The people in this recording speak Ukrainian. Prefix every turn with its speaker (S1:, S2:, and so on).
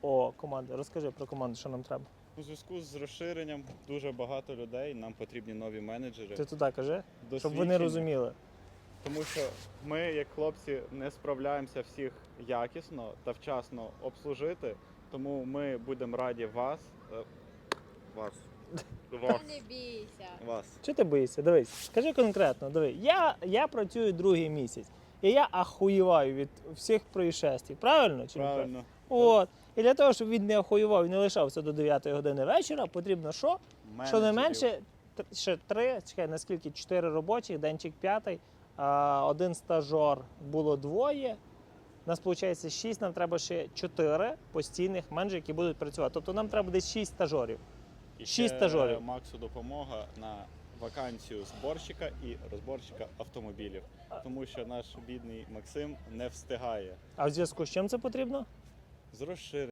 S1: О, команда. Розкажи про команду, що нам треба.
S2: У зв'язку з розширенням дуже багато людей, нам потрібні нові менеджери.
S1: Ти туди кажи, щоб
S2: досвідчені.
S1: вони розуміли.
S2: Тому що ми, як хлопці, не справляємося всіх якісно та вчасно обслужити, тому ми будемо раді вас.
S3: Не бійся.
S2: Вас.
S1: Чого ти боїшся? Дивись, скажи конкретно, диви, я працюю другий місяць, і я ахуєваю від всіх происшествій, правильно? Чи не
S2: Правильно.
S1: От. І для того, щоб він не ахуєвав і не лишався до 9 години вечора, потрібно що? Щонайменше ще 3, чекай, наскільки 4 робочих, денчик 5, один стажер, було 2. У нас виходить 6, нам треба ще 4 постійних менеджерів, які будуть працювати. Тобто нам треба десь 6 стажерів.
S2: І
S1: 6
S2: ще
S1: стажерів.
S2: Максу допомога на вакансію зборщика і розборщика автомобілів. Тому що наш бідний Максим не встигає
S1: А в зв'язку з чим це потрібно?
S2: з розширенням.